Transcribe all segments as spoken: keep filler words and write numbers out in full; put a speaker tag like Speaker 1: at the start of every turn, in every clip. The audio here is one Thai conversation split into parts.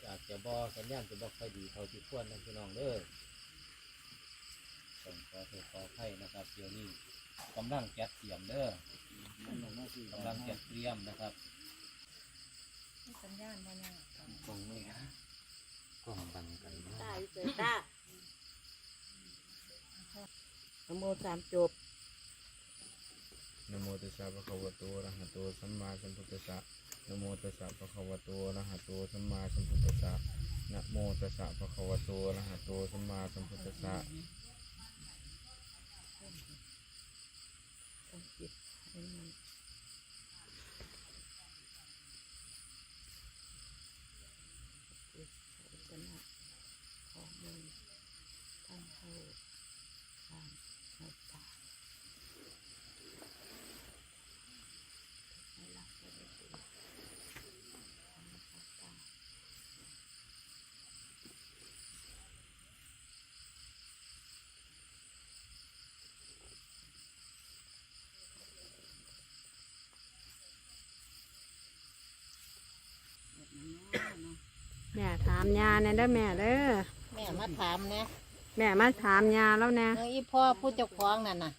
Speaker 1: อาจจะบ่สัญญาณจะบ่ค่อยดีเท่าที่ควรนะพี่น้องเด้อต้องขอโทษขออภัยนะครับเดี๋ยวนี้กำลังจัดเตรียมเด้อกำลังจัดเตรียมนะครับ
Speaker 2: สัญญาณบ่แน่
Speaker 1: กล้องไม่ฮะกล้องบังกันเนาะ
Speaker 2: ตาอยู่เกิดตานะโมสามจบ
Speaker 3: นะโมตัสสะภะคะวะโตอะระหะโตสัมมาสัมพุทธัสสะนะโมตัสสะภะคะวะโตอะระหะโตสัมมาสัมพุทธัสสะนะโมตัสสะภะคะวะโตอะระหะโตสัมมาสัมพุทธัสสะ
Speaker 2: ต้องจิตให้มันจิตอุปนะของมือท่านเข้าทางในตาให้หลับไปได้ดีทางในตา
Speaker 4: แม่ถามยาเนี่ยเด้อแม่เด้อ
Speaker 2: แม่มาถามเนี่ย
Speaker 4: แม่มาถามยาแล้วนะ
Speaker 2: เมื่ออีพ่อผู้เจ้าของนั่นน่ะ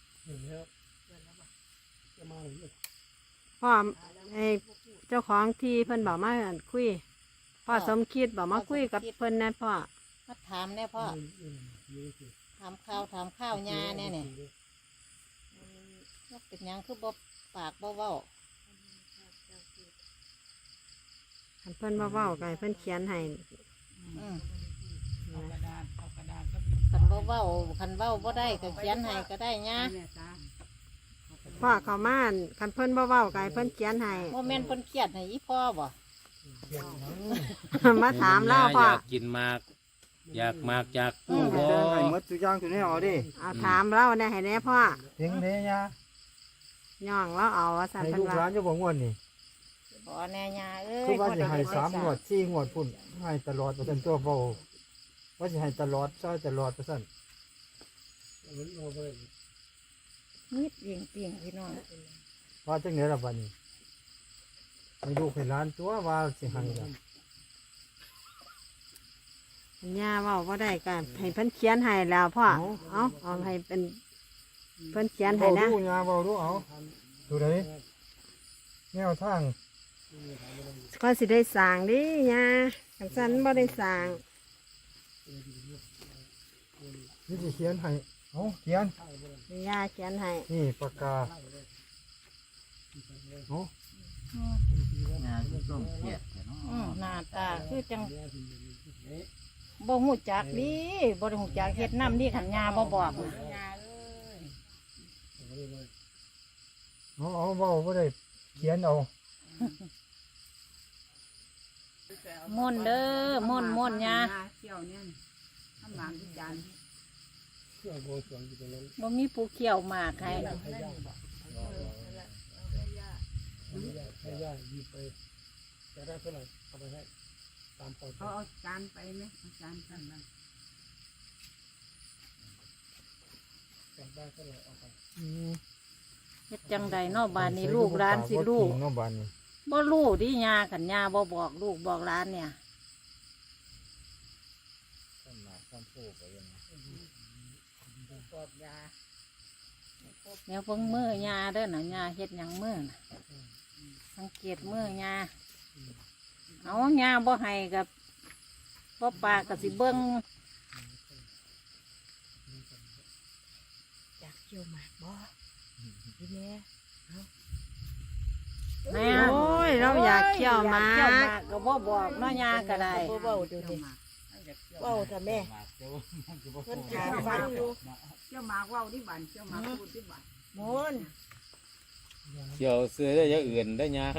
Speaker 4: พ่อไอเจ้าของที่เพิ่นบอกมาคุยพ่อสมคิดบอกมาคุยกับเพิ่นนะพ่อ
Speaker 2: มาถามเนี่ยพ่อถามข้าวถามข้าวยาเนี่ยเนี่ยว่าเป็นหยังคือบ่ปากบ่เว้า
Speaker 4: คันเพิ่นบ่เว้าไก่เพิ่นเขียนให้
Speaker 2: อืมคันบ่เว้าคันเว้าบ่ได้ก็เขียนให้ก็ได้ยา
Speaker 4: พ่อเขามาคันเพิ่นบ่เว้าไก่เพิ่นเขียนให้
Speaker 2: โมเมนต์เพิ่นเครียดให้อีพ่อบ่
Speaker 4: มาถามเล่าพ่อ
Speaker 1: อยากกินมากอยากมากอยากกู้บ่
Speaker 3: ให้หมดทุกอย่างตัวนี้เอาดิ
Speaker 4: เอาถามเล่าเนี่ยให้แน่พ่อ
Speaker 3: เพียงนี้ยะ
Speaker 4: ย่องแล้วเอาว่าสัน
Speaker 3: ให้
Speaker 4: เพิ่น
Speaker 3: ลูกหลา
Speaker 4: ว่าน
Speaker 3: จะบอกงวดนี่
Speaker 2: บ่แน่ยาเอ้ย
Speaker 3: คือว่า
Speaker 2: พ่อ
Speaker 3: จะ
Speaker 2: ได้
Speaker 3: ให้
Speaker 2: เฮ็ด
Speaker 3: สาม
Speaker 2: ไว้
Speaker 3: งวดสี่งวดพุ่นให้ตลอดเปอร์เซ็นต์ตัวเบาว่าจะให้ตลอดใช้ตลอดเปอร์เซ็นต์
Speaker 2: นิดเพียงเพียงพี่น้อง
Speaker 3: ว่าจังไหนล่ะบัดนี้ให้ลูกให้หลานตัวว่าสิให้ล่ะ
Speaker 4: ยาเว้าบ่ได้ก็ให้เพิ่นเขียนให้แล้วพ่อเอาเอาให้เป็นเพิ่นเขียนให้
Speaker 3: เบา
Speaker 4: นะ
Speaker 3: ดูยาเบาดูเอาดูไหนแนวทาง
Speaker 4: ก็สิได้สร้างดิยาจังซั่นบ่ได้สร้าง
Speaker 3: นี่จะเขียนให้เอาเขียน
Speaker 4: ยาเขียนให้
Speaker 3: นี่ปากกาเอา
Speaker 1: งานก็ต้องเครียดเนาะ
Speaker 2: อืมหน้าตาคือจังบ่ฮู้จักดิบ่ได้ฮู้จักเฮ็ดน้ำดิขันยาบ่บอกน่ะ
Speaker 3: เอาเอาเบาบ่ได้เขียนเอา
Speaker 2: ม่วนเด้อม่วนม่วนยา
Speaker 5: เที่ยวเนี่ยทำหมากที่จาน
Speaker 2: บ่มีผู้เขี่ยวหมากให้
Speaker 5: เขาเอาจานไปไหมเอาจานกันนั่น
Speaker 3: อืม
Speaker 2: เฮ็ดจังใดเนาะบ้านนี้ลูกหลานสิลูก
Speaker 3: เนาะบ้านนี้
Speaker 2: บ่รู้ดิยาขันยาบ่บอกลูกบอกหลานเนี่ย
Speaker 3: ต้นหมากต้นผู้ก็ยัง
Speaker 2: แนวเบิ่งมือยาเด้อน่ะยาเฮ็ดหยังมือน่ะสังเกตมือยาเอายาบ่ให้กับบ่ปากก็สิเบิ่งอยากเกี่ยวหมากบ่พี่แม่
Speaker 4: โอ้ยเราอยากเขี่ยวหมา
Speaker 2: เกี่ยวหมากก็บ่บอกเนาะยาก็ได้
Speaker 5: เบาดูดิเบาแต่แม่เพิ่นถามฟังอยู่เที่ยวหมากว่าวที่บ้านเที่ยวหมากพูดที่บ้าน
Speaker 2: มูน
Speaker 1: เกี่ยวเสื้อได้อยางอื่นได้ยาให้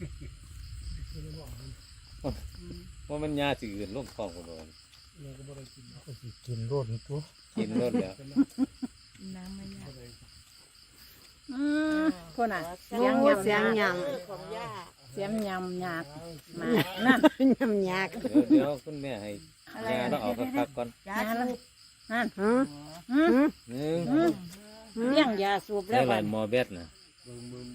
Speaker 1: ว่ามันยาสิอื่นลงท้องคนน
Speaker 3: ก็สิกินรดตัว
Speaker 1: กินรถแล้ว
Speaker 5: น้ำมันยา
Speaker 2: อืมคนน่ะ
Speaker 4: เสียงเสียงหย
Speaker 5: ของย่า
Speaker 2: เสียงยำหยากมานั่น
Speaker 4: ำยำยาก
Speaker 1: เดี๋ยวเดี๋ยวคุณแม่ให้ยาต้องเอาพักๆก่อน
Speaker 5: ยาสูบ
Speaker 2: นั่น
Speaker 4: หือ
Speaker 2: อืม
Speaker 4: หือ
Speaker 1: หนึ่ง
Speaker 2: อืมเลี้ยงยาสูบ
Speaker 1: ได้
Speaker 2: แล้ว
Speaker 1: ห
Speaker 2: บั
Speaker 1: ลาย
Speaker 2: ด
Speaker 1: หมอเบสนะ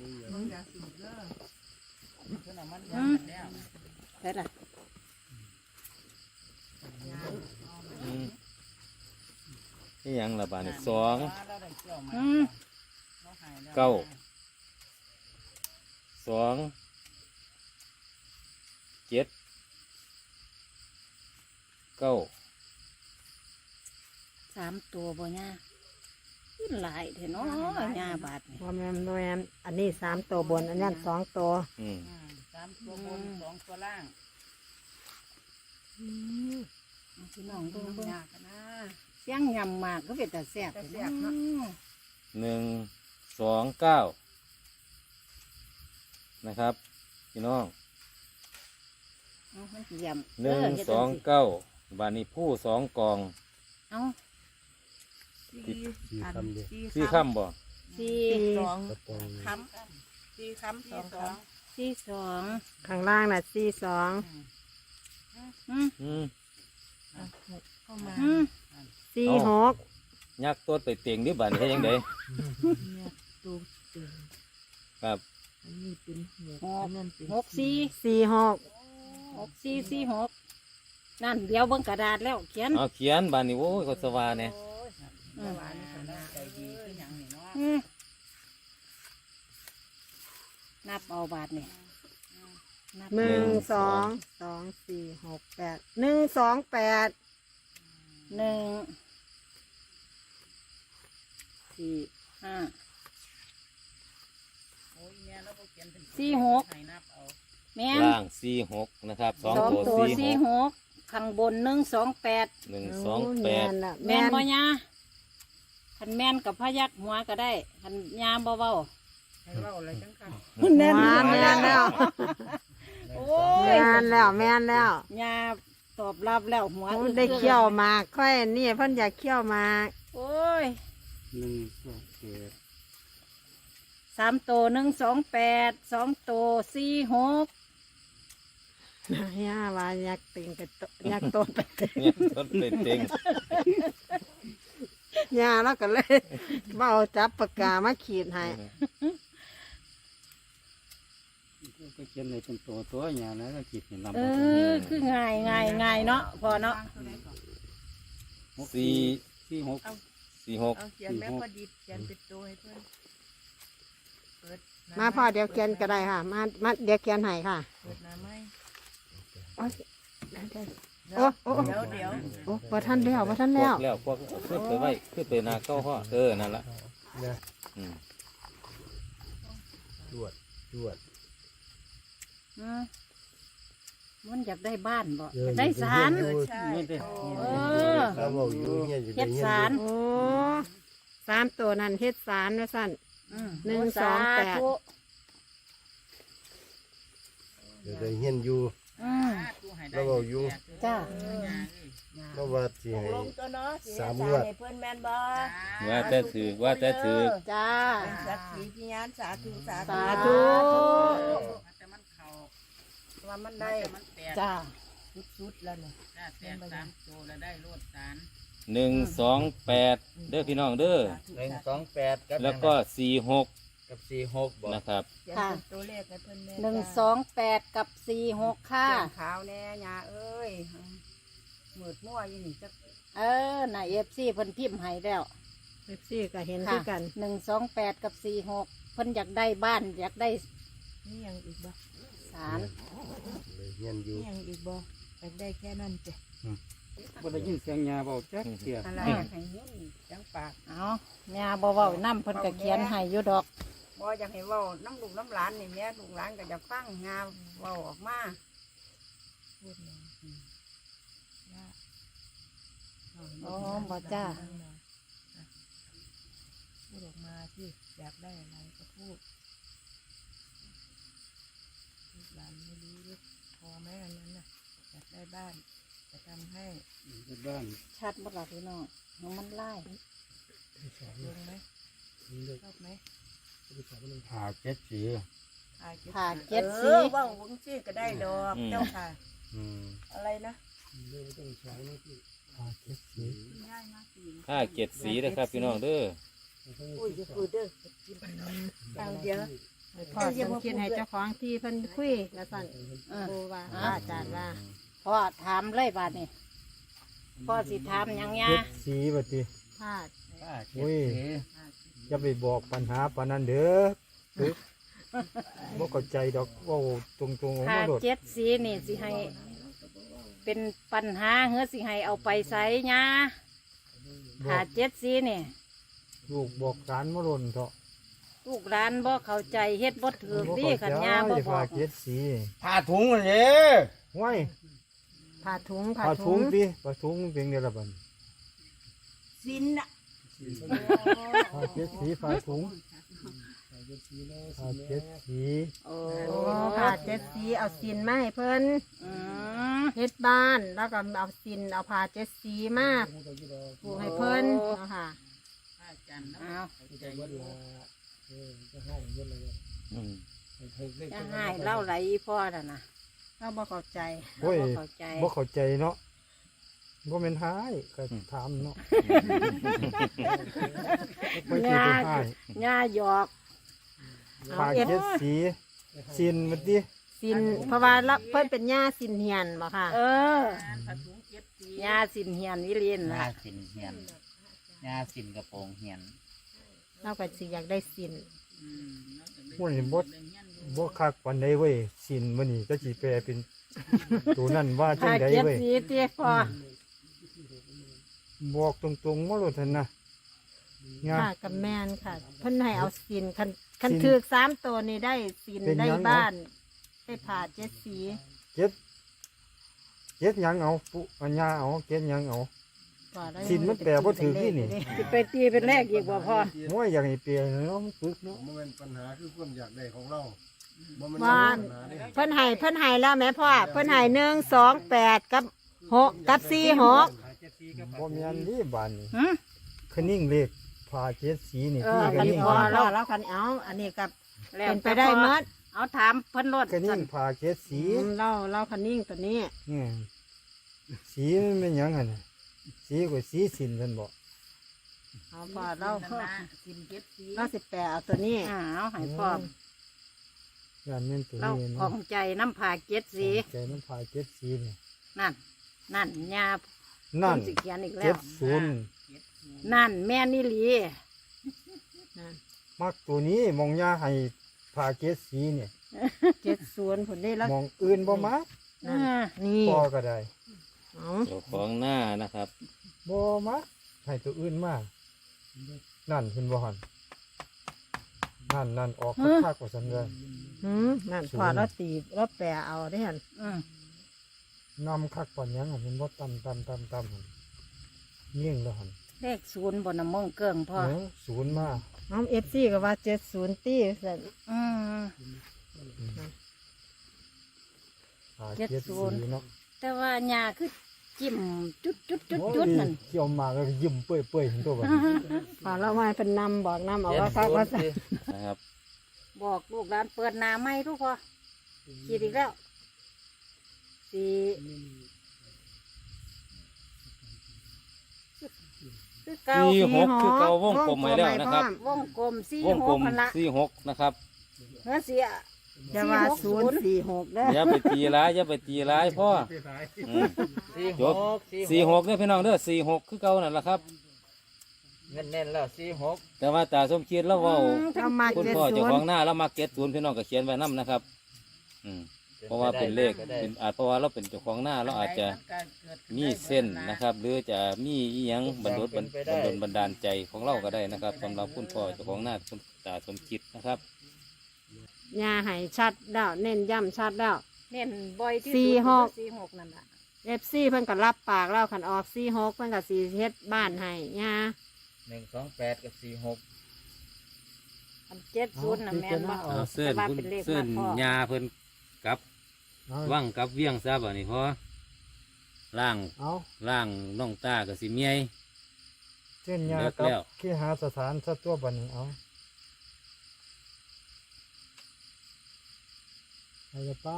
Speaker 5: ยาสูบเด้อ
Speaker 2: อืมใช่ละ
Speaker 3: อืมนี่หยังละบาทนี่สอง
Speaker 2: อืม
Speaker 3: เก้าสองเจ็ดเก้า
Speaker 2: สามตัวบ่ย่าขึ้นหลายเถอะเนาะย่าบาทนี่
Speaker 4: บ่แม่นบ่แม่นอันนี้สามตัวบนอันนั้นสองตัว
Speaker 3: อืม
Speaker 5: สามตัวบนสองตัวล่าง
Speaker 2: เอาพี่น้องเบิ่งเบิ่งยากนะเสียงยำมากก็เป็นแต่แซ่บเนาะ
Speaker 3: หนึ่งสองเก้านะครับพี่น้อง
Speaker 2: เอามันสิยำ
Speaker 3: หนึ่ง
Speaker 2: เฮ็ด
Speaker 3: ส
Speaker 2: จั
Speaker 3: อง
Speaker 2: สิ
Speaker 3: เก้าบาทนี้ผู้สองกอง
Speaker 2: เอา
Speaker 5: สี่อันสี่
Speaker 3: สี่
Speaker 5: คำ
Speaker 3: คำบ่
Speaker 2: สี่
Speaker 5: สองคำสี่คำสองค
Speaker 2: สี่สอง
Speaker 4: ข้างล่างน่ะสี่สอง
Speaker 2: อืม
Speaker 3: อืม
Speaker 5: ำเข้ามา
Speaker 2: อืม
Speaker 4: สี่
Speaker 3: เอา
Speaker 4: หก
Speaker 3: ยักษ์ตัวไปเตียงดิบาทนี้ให้ยังไง
Speaker 5: เนี่ยตัวตึง
Speaker 3: ครับ
Speaker 5: อันนี้เป็นหก
Speaker 2: ห
Speaker 5: อั
Speaker 2: ก
Speaker 5: นนั้นเป็น
Speaker 2: หกสี่
Speaker 4: สี่หก
Speaker 2: หกสี่สี่หกนั่นเดี๋ยวเบิ่งกระดาษแล้วเขียน
Speaker 3: เอาเขียนบาทนี้โอ้ยก็สว่าเนี่ย
Speaker 5: เมื่อวานนี้คนน่าใจดีขึ้นอย่างนี้เนาะ
Speaker 2: อืมนับเอาบาทนี่นับ
Speaker 4: หนึ่งสองสองสี่หกแปดหนึ่งสองแปด
Speaker 2: หนึ่งสี่ห้า
Speaker 5: โอ้ยแม่แล้วก็เขียนเป็น
Speaker 2: สี่หก
Speaker 5: ให้นับเอา
Speaker 2: แม่น
Speaker 3: ล่างสี่หกนะครับสอง
Speaker 2: สอง
Speaker 3: ตัว
Speaker 2: ตัว
Speaker 3: สี่
Speaker 2: สี่
Speaker 3: หก
Speaker 2: หกข้างบนหนึ่งสองแปด
Speaker 3: หนึ่งสองแป
Speaker 4: แม่
Speaker 3: ด
Speaker 4: นน่ะ
Speaker 2: แม่
Speaker 4: แม่
Speaker 2: น
Speaker 4: น
Speaker 2: บ่ยาคันแม่นกับพยักหัวก็ได้คันยาบ่เว้า
Speaker 5: ให้เล่าอะไรจังค่ะ
Speaker 2: แน่น
Speaker 4: ว้าแม่นแล้ว
Speaker 2: โอ้
Speaker 4: แม่
Speaker 2: ย
Speaker 4: นแล้วแม่นแล้ว
Speaker 2: ยาตอบรับแล้วหัว
Speaker 4: โอ้
Speaker 2: อึก
Speaker 4: ได้เคี่ยวหมากค่อยนี่เพิ่นอยากเคี่ยวหมาก
Speaker 2: โอ้ย
Speaker 1: หนึ่งสองเจ็ด
Speaker 2: สามตัวหนึ่งสองแปดสองตัวสี่หก
Speaker 4: ย่าว่าอยากติงกับโตอยากโตไปติง
Speaker 3: เนี่ยต้นเป็นเต็ง
Speaker 4: ย่าแล้วก็เลยมาเอาจับปากกามาขีดให้
Speaker 1: ก็เขียนในเป็นตัวตัวอย่างนั้นก็ขีดเห็นลำ
Speaker 2: เออคือง่ายง่ายง่ายเนาะพอเนาะ
Speaker 3: สี่
Speaker 1: สี่หก
Speaker 3: สี่หก
Speaker 5: เอาเขียนแม่พอดีเขียนเป็นตัวให้เพื่อนเปิดหน้
Speaker 4: มาพ่อเดี๋ยวเขียนก็ได้ค่ะ มามาเดี๋ยวเขียนให้ค่ะ
Speaker 5: เปิดหน้าไม้
Speaker 4: โอ้ย
Speaker 5: เดี๋ยว
Speaker 4: โอ้โอ้
Speaker 5: เดี๋ยวเดี๋ยว
Speaker 4: โอ้บ่ทันแล้วบ่ทัน
Speaker 3: พว
Speaker 4: แล้ว
Speaker 3: กแล้วพวกขึ้นไปไว้ขึ้นไปนาเก้าห้อเออนั่นละอืม
Speaker 6: จวดจวด
Speaker 2: อืมมันอยากได้บ้านบ่
Speaker 6: เออ
Speaker 2: ได้ศาล
Speaker 5: เออใช่
Speaker 1: นี่เด้
Speaker 2: เออ
Speaker 6: ถ้าเว้าอยู่เฮียนจะ
Speaker 2: เฮ็
Speaker 6: ได้
Speaker 2: ด
Speaker 6: เฮียน
Speaker 2: ศาล
Speaker 4: โอ้สามตัวนั้นเฮ็ดสารว่าสั่น
Speaker 2: อืม
Speaker 4: หนึ่งสองแปด
Speaker 2: สาธุ
Speaker 6: จะได้เฮียนอยู่
Speaker 2: อืม
Speaker 5: ตู้ให้ได้
Speaker 6: แล้วเว้าอยู่
Speaker 2: จ้า
Speaker 6: เพราะว่าสิ
Speaker 5: ตก
Speaker 6: ให้
Speaker 5: ลงตัวเนาะสิ
Speaker 6: สาม
Speaker 5: ให้
Speaker 6: งวด
Speaker 5: ให้เพื่อนแม่นบ่
Speaker 3: ว่าแต่ถือว่าแต่ถือ
Speaker 2: จ้า
Speaker 5: เป็นสักขีพยานสาธุสาธุ
Speaker 2: สาธุ
Speaker 5: แต่มันเข้าว่ามันได้มันแตก
Speaker 2: จ้า
Speaker 5: สุดๆแล้วเนี่ยถ้าแตกสามตัวแล้วได้โลดสาร
Speaker 3: หนึ่งสองแปดเด้อพี่น้องเด้อ
Speaker 7: หนึ่งสองแปดกับ
Speaker 3: แล้วก็สี่หก
Speaker 7: กับสี่หกบอก
Speaker 3: นะครับ
Speaker 5: เขียนเป็นตัวเลขให้เพื่อนแม่
Speaker 2: หนึ่งสองแปดกับสี่หกค่ะ
Speaker 5: เขียนขาวแน่ยาเอ้ยหมืดมั่วอยี่นี่จัก
Speaker 2: เออน่ะเอฟซีเพิ่นพิมพ์ให้แล้ว
Speaker 4: เอฟซีก็เห็น
Speaker 2: ค่ะ
Speaker 4: คือกัน
Speaker 2: หนึ่งสองแปดกับสี่หกเพิ่นอยากได้บ้านอยากได้
Speaker 5: นี่ยังอีกบ่
Speaker 2: ศาล
Speaker 6: ได้เฮียนอยู่
Speaker 5: นี่ยังอีกบ่อยากได้แค่นั้นจ้ะ
Speaker 1: บ่ได้ยินเสียงยาบอกแจ๊กเสีย
Speaker 5: อะไรให้เงินจังปาก
Speaker 2: เอาแม่บ่เว้านํเพิ่นก็เขียนให้อยู่ดอก
Speaker 5: บ่อยากให้เว้าน้ำลูกน้ำหลานนี่แม่ลูกหลานก็อยากฟังงาเว้าออกมาพูดหน่อยอืมว่า
Speaker 2: อ๋อบ่จ้า
Speaker 5: พูดออกมาที่อยากได้อะไรก็พูดลูกหลานไม่รู้ด้วยพอไหมอันนั้นน่ะอยากได้บ้านจะทำให้
Speaker 1: บ้าน
Speaker 2: ชัดบ่ล่ะพี่น้องน้องมันไล่
Speaker 5: ลงไหมชอบไหม
Speaker 1: หาเจ็ดสี
Speaker 5: ผ่าเจ็ด
Speaker 2: ผ่าเจ็ด
Speaker 5: เอ
Speaker 2: สี
Speaker 5: อว่าวงซี่ก็ได้ดอกเจ้าค่ะ
Speaker 6: อืม
Speaker 5: อะไรนะ
Speaker 6: หาเจ็ดสี
Speaker 5: ง่ายมากสิ
Speaker 3: ห้าเจ็ดสีนะครับพี่น้องเด้อ
Speaker 5: อุ้ยจะพูดเด้อเอาเดี๋ยว
Speaker 4: พ่อสมคิดให้เจ้าของที่เพิ่นคุยแล้วสั่น
Speaker 2: เออ
Speaker 4: โบว่าพระอาจารย์ว่า
Speaker 2: เพราะว่าถามเลยบาดนี้พ่อสิถามหยังยา
Speaker 3: เจ็ดสีบัดนี้
Speaker 4: พลาด
Speaker 7: ห้าเจ็
Speaker 3: โอ้
Speaker 7: ด
Speaker 3: ย
Speaker 7: สี่
Speaker 3: อย่าไปบอกปัญหาปานนั้นเด้อตึกบ่เข้าใจดอกเว่าตรงๆออก
Speaker 2: ถ้า
Speaker 3: มาโลด
Speaker 2: เจ็ดสีนี่สิให้ เป็นปัญหาเฮือสิให้เอาไปใส่ยา
Speaker 3: บ
Speaker 2: ถ้า
Speaker 3: อก
Speaker 2: เจ็ดสีนี่
Speaker 3: ลูกบอกสารมาหล่นเถาะ
Speaker 2: ลูกร้านบ่เข้าใจเฮ็ดบ่ถือ
Speaker 3: บ่
Speaker 2: ดี
Speaker 3: เข้า
Speaker 2: ขัน
Speaker 3: ใจ
Speaker 2: ยาบ่บ
Speaker 3: ผ้า
Speaker 2: อก
Speaker 3: เจ็ดสี
Speaker 7: ผ้าถุงเลย
Speaker 3: ห้วย
Speaker 4: ผ่าถุงผ่า
Speaker 3: ผ้า
Speaker 4: ถุ
Speaker 3: ถุ
Speaker 4: ง
Speaker 3: งติผ้าถุงเป็นไงล่ะบัดนี้
Speaker 5: สินน่ะ
Speaker 3: ผ้าเจ็ดสีผ้าถุงผ้าเจ็ดสี
Speaker 2: โอ้
Speaker 4: โอ้ผ่าเจ็ดสีเอาสินมาให้เพิ่น
Speaker 2: อืม
Speaker 4: เฮ็ดบ้านแล้วก็เอาสินเอาผ่าเจ็ดสีมาปลูกให้เพิ่นเนาะค่ะ
Speaker 2: เอา
Speaker 7: อืม
Speaker 2: จะให้เล่าไหลอีพ่อน่ะนะ
Speaker 4: เราบ่เข้าใจ
Speaker 3: โอ้ย
Speaker 2: บ่เข้าใจ
Speaker 3: บ่เข้าใจเนาะบ่แม่นหายก็ถามเนาะไม่ใช่ไปหาย
Speaker 2: ยาหยอก
Speaker 3: ผ้าเจ็ดสีสินมันติ
Speaker 4: สินเพราะว่าละเพิ่นเป็นหญ้าสินเหียนบ่ค่ะ
Speaker 2: เออยาสินเฮียนวิริน
Speaker 7: หน้า
Speaker 2: ล่ะ
Speaker 7: สินเหียนหน้าสินกระโปรงเหียน
Speaker 4: เราก็สิอยากได้สิน
Speaker 3: โอ้ยบ่บ่คักปานใดเว้ยสินมื้อนี้ก็สิแปลเป็น ตัวนั้นว่าจั
Speaker 2: ถ้าง
Speaker 3: ได
Speaker 2: เจ็ด
Speaker 3: เว้ย
Speaker 2: สีเตี้ยพ่อ
Speaker 3: บอกตรงๆมาโลดหั่นนะงา
Speaker 4: ค่ะกับแม่นค่ะ เพิ่นให้เอาสินคันคัน
Speaker 3: สิน
Speaker 4: ถือกสามตัวนี่ได้สิน
Speaker 3: เป็น
Speaker 4: ได้
Speaker 3: หยัง
Speaker 4: บ้าน ได้ผ่าเจ็ดสี
Speaker 3: เจ็ดเจ็ดหยังเอาปุอัญญาเอาเจ็ดหยังเอา
Speaker 4: ก็ได้
Speaker 3: สินมันแปลบ่ถือที่นี่
Speaker 2: สิไปตีเป็นแรกอีกบ่พ่อ
Speaker 3: โอ้ยอยากให้เปลี่ยนเนาะมันปึกเนาะ
Speaker 6: มันเป็นปัญหาคือความอยากได้ของเราบ่แม่น
Speaker 4: บ้าน
Speaker 6: ปัญหาเด้
Speaker 4: เพิ่นให้เพิ่นให้แล้วแม่พ่อเพิ่นให้หนึ่งสองแปดกับหกกับสี่หก
Speaker 3: บ่แม่นนี่บานนี่
Speaker 2: หึ
Speaker 3: คือนิ่งเลขพาเจ็ดสีนี่
Speaker 2: เอ
Speaker 3: ที่
Speaker 2: อ
Speaker 3: คือ
Speaker 4: คัน
Speaker 3: นิ่ง
Speaker 4: พอแล้วแล้วคันเอาอันนี้กับ
Speaker 2: แล้ว
Speaker 4: เป็นไปได้หมด
Speaker 2: เอาถามเพิ่นรถ
Speaker 3: คือนิ่งพาเจ็ดสี
Speaker 4: อืมเล่าเล่าคันนิ่งตัวนี้
Speaker 3: อืมสีมันเป็นหยังหั่นน่ะสีกว่าสีสินเพิ่นบอก
Speaker 4: เอาพอเล่าเล่าสิบแปดเอาตัวนี้
Speaker 2: อ่าเอาให้พ่อ
Speaker 3: ย่านแม่นตัว
Speaker 2: เรา
Speaker 3: นี้
Speaker 2: ขอ
Speaker 3: เนาะ
Speaker 2: งใจน้ำผาเจ็ดสี
Speaker 3: ใจมันพาเจ็ดสีนี่
Speaker 2: นั่น นั่นยา
Speaker 3: นั่น
Speaker 2: เพิ่สิเขียนอีกแล้
Speaker 3: เจ็
Speaker 2: ว
Speaker 3: ดศูนย์
Speaker 2: นั่นแม่นี่หลี
Speaker 3: มักตัวนี้มองยาให้พาเจ็ดสีเนี่ย
Speaker 4: เจ็ดศูนย์ผลได้แล้ว
Speaker 3: มองอื่นบ่มัก
Speaker 2: อ่า
Speaker 4: นี่
Speaker 3: พอก็ได้
Speaker 4: เอา
Speaker 7: เจ้าของหน้านะครับ
Speaker 3: บ่มักให้ตัวอื่นมานั่นเห็นบ่หันนั่นนั่นออกคักๆกว่าซั่นเลย
Speaker 4: หืมนั่นพอเราตีเราแปะเอาได้หัน
Speaker 2: อืม
Speaker 3: นำคักปานหยังหั่นเห็นบ่ตำตำตำตำหั่นเงี้ยงแล้วหั่น
Speaker 2: เลขศูนย์บนน้ำมงเกิงพ่อ
Speaker 3: เออศูนย์มา
Speaker 4: น้องเอฟซีก็ว่าเจ็ดศูนย์ตีสั่น
Speaker 2: อืม
Speaker 3: หา
Speaker 2: เจ็ด
Speaker 3: เจ็ด
Speaker 2: ศู
Speaker 3: สี
Speaker 2: นย์
Speaker 3: เนาะ
Speaker 2: แต่ว่ายาคือจิ้มจุดจุดจุด
Speaker 3: โอ้ย
Speaker 2: จุดนั่น
Speaker 3: เกี่ยวมาก็ยิ้มเปื่อยๆเห็นตัวบัด
Speaker 4: พอเรามาเป็นนำบอกนำเอา
Speaker 7: เจ็ด
Speaker 4: ว่าคัก
Speaker 7: ศูน
Speaker 4: ว่า
Speaker 7: ย์
Speaker 4: สั่น
Speaker 7: สินะครับ
Speaker 2: บอกลูกร้านเปิดหนาไม่ทุกพ่อขีดอีกแล้วสี่คือเก่า
Speaker 7: สี่หกคือเก่าวงกลมไว้แล้วนะครับ
Speaker 2: วงกลมสี่
Speaker 7: วง
Speaker 2: ห
Speaker 7: กล
Speaker 2: ก
Speaker 7: ม
Speaker 2: พันละ
Speaker 7: สี่หกนะครับ
Speaker 2: เฮ้ยเสีย
Speaker 4: จะว่าศูนย์สี่หกได้
Speaker 7: อย่าไปตีร้ายอย่าไปตีร้ายพ่ออืมจบสี่หกเนี่ยพี่น้องเด้อสี่หกคือเก่านั่นแหละครับเน้นๆแล้วสี่หกแต่ว่าตาสมคิดแล้วเว่า
Speaker 4: เรามา
Speaker 7: คุณ
Speaker 4: เจ็ด
Speaker 7: พ่อ
Speaker 4: ศู
Speaker 7: เจ้าน ของ
Speaker 4: ย์
Speaker 7: หน้าแล้วมาเก็ตศูนย์พี่น้องก็เขียนไว้นํนะครับ อืมเพราะว่าเป็นเลขเป็นอาจเพราะว่าเราเป็นเจ้าของหน้าเราอาจจะมีเส้นนะครับ หรือจะมีอีหยังบรรลุบรรบรรดลบันดาลใจของเราก็ได้นะครับสำหรับคุณพ่อเจ้าของหน้าคุณตาสมคิดนะครับ
Speaker 4: ยาให้ชัดแล้วเน้นย้ำชัดแล้ว
Speaker 2: เน้นบ่อยที่
Speaker 4: สี่
Speaker 2: สุด
Speaker 4: หก
Speaker 2: สี่หกนั่นแหละ
Speaker 4: เอฟซีเพิ่นก็รับปากแล้วขันออกสี่หกเพิ่นก็สีเฮ็ดบ้านให้ยา
Speaker 7: หนึ่งสองแปดกับสี่หก
Speaker 2: อันเจ็ดศูนย์น่ะแม่นว่า
Speaker 7: เอาเส้น
Speaker 2: แต่ว่า
Speaker 7: คุณ
Speaker 2: เป็นเลข
Speaker 7: เส้น
Speaker 2: มากพ่อย
Speaker 7: าเพิ่นกับ
Speaker 3: เอา
Speaker 7: ว่างกับเวียงซะบ่นี่พอล่าง
Speaker 3: เอา
Speaker 7: ล่างน้องตากับสิเมีย
Speaker 3: เส้นยา
Speaker 7: เลิก
Speaker 3: กับ
Speaker 7: แล้ว
Speaker 3: ขี้หาสถานสัตัวบัดนี้เอาไปละไป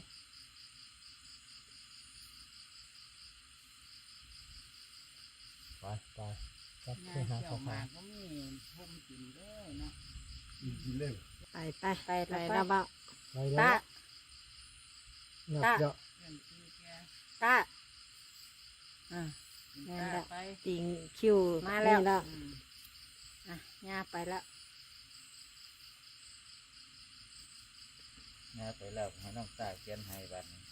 Speaker 3: ไปไปจับขี้หาสถาน
Speaker 4: ไปไปไปไปแล้วบ่า
Speaker 3: ไปแล้ว
Speaker 2: ตา
Speaker 3: นับเยอะ
Speaker 2: ตาอ่า
Speaker 4: ติงคิว
Speaker 2: มาแล้ว
Speaker 4: นี่แล้ว
Speaker 2: อ่ะยาไปแล้ว
Speaker 7: นะไปแล้วให้น้องตาเขียนให้บัดนี้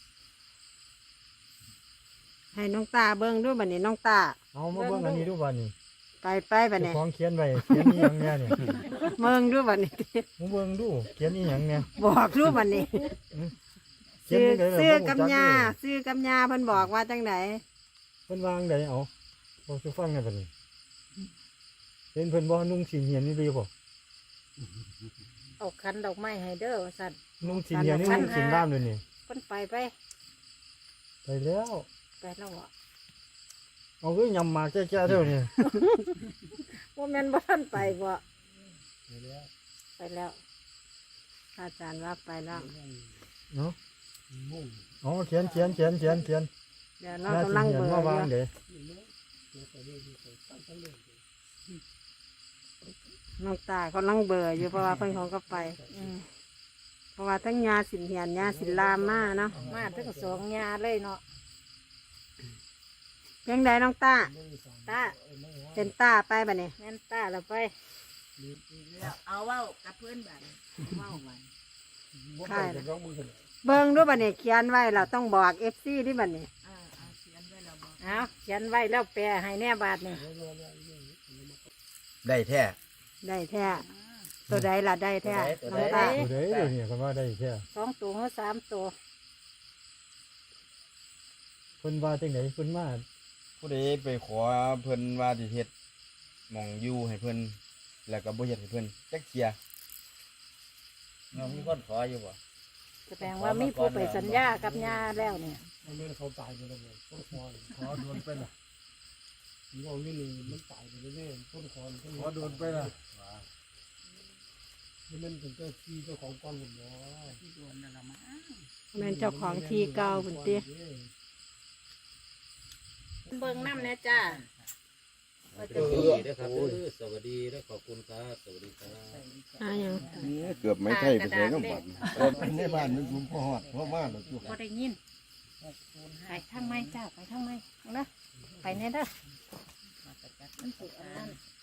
Speaker 4: ให้น้องตาเบิ่งด้วยบัดนี้น้องตา
Speaker 6: เอามาเบิ่งอันนี้ดูบ้านนี่
Speaker 4: ไปไปบัด
Speaker 6: เจ้า
Speaker 4: นี้
Speaker 6: ของเขียนไว้เขียนอีหยังเนี่ยเนี่ย
Speaker 4: เบิ่งด้วยบัดนี้
Speaker 6: มาเบิ่งดูเขียนอีหยังเนี่ย
Speaker 4: บอกด้วยบัดนี้
Speaker 6: เขียน
Speaker 4: ซื้อ
Speaker 6: จั่งใดล่ะ
Speaker 4: ซื้อ
Speaker 6: บ่รู้
Speaker 4: กับ
Speaker 6: จั
Speaker 4: ยา
Speaker 6: เลย
Speaker 4: ซื้อกับยาเพิ่นบอกว่าจังได
Speaker 6: เพิ่นวางไดเอาบ่สิฟังไงบัดนี้เห็นเพิ่นบ่นุ่งสีเหียนนี่ดีบ่
Speaker 2: เอาคันดอกไม้ให้เด้อว่าสัตว์
Speaker 6: นุ่งสีเหียนนี่นุ่งสีน้ำเลยนี่
Speaker 2: เพิ่นไปไป
Speaker 6: ไปแล้ว
Speaker 2: ไปแล้วเหรอ
Speaker 6: เอาคือยำมาแก่ๆเท่านี้
Speaker 2: ว่าแม่นบ่ทันไปบ่
Speaker 6: ไปแล้ว
Speaker 2: ไปแล้ว
Speaker 4: อาจารย์ว่าไปแล้ว
Speaker 6: เนาะอ๋อเขียนเขียนเขียนเขียนเขียน
Speaker 4: เดี๋ยวเรากำลังเบิ่ง
Speaker 6: มาวาง
Speaker 4: อยู่
Speaker 6: เด้
Speaker 4: น้องตากำลังเบื่ออยู่เพราะว่าเพิ่นของก็ไป
Speaker 2: อืม
Speaker 4: เพราะว่าทั้งยาสินเหียนยาสินลามมาเนาะ
Speaker 2: มาถึงสองยาเลยเนาะ
Speaker 4: เพียงใดน้องตา
Speaker 2: ตา
Speaker 4: เป็นตาไปบัดนี้
Speaker 2: แม่นตาแล้วไป
Speaker 5: เอาเว้ากับเพื่อนแบบเว้าไว้
Speaker 4: ใช่นะเบิ่งด้วยบัดนี้เขียนไว้เราต้องบอก เอฟ ซี ที่บัดนี้
Speaker 5: เออเอาเขียนไว้แล้วบอก
Speaker 2: เอาเขียนไว้แล้วแปลให้แน่บาทนี่
Speaker 3: ได้แท้
Speaker 4: ได้แท้ตัวใดล่ะได้แท้น้องตา
Speaker 6: ตัวเด้เดี๋ยวนี้ก็ว่าได้แค่
Speaker 2: สองตัวหรือสามตัว
Speaker 6: เพิ่นว่าจังไดเพิ่นมา
Speaker 3: ผู้ใดไปขอเพิ่นว่าสิเฮ็ดหม่องอยู่ให้เพิ่นแล้วก็บ่เฮ็ดให้เพิ่นจักเที่ย
Speaker 7: น้องมีคนขออยู่บ่
Speaker 2: แสดงว่ามีผู้ไปสัญญากับยาแล้วเนี่ย
Speaker 6: มันไม่เขาตายไปแล้วบ่ต้นคอนขอโดนไปล่ะนี่เอาอยู่นี่มันตายไปแล้วเนี่ยต้นคอนขอโดนไปล่ะมันเป็นเจ้าที่เจ้าของกองหุ่นเนาะ
Speaker 5: ที่โดนนั่นละมั้ง
Speaker 4: แม่นเจ้าของที่เก่าพุ่นติ
Speaker 2: เบิ่งน้ำเนี่ยจ้าว่า
Speaker 7: ส
Speaker 2: จะ
Speaker 7: วัส
Speaker 2: มี
Speaker 7: ดีนะครับเออสวัสดีและขอบคุณครับสวัสดีครับ
Speaker 4: อ่าหยัง
Speaker 3: เกือบไม่ไทยไปใส่น้ำบัด
Speaker 6: ไปในบ้านมันคุมพ่อฮอดพ่อมาแล้วจุ
Speaker 2: บ่ได้ยินไปทางไม้จ้าไปทางไม้เอานะไปเนี่ยเด้อมันสิอันนั้น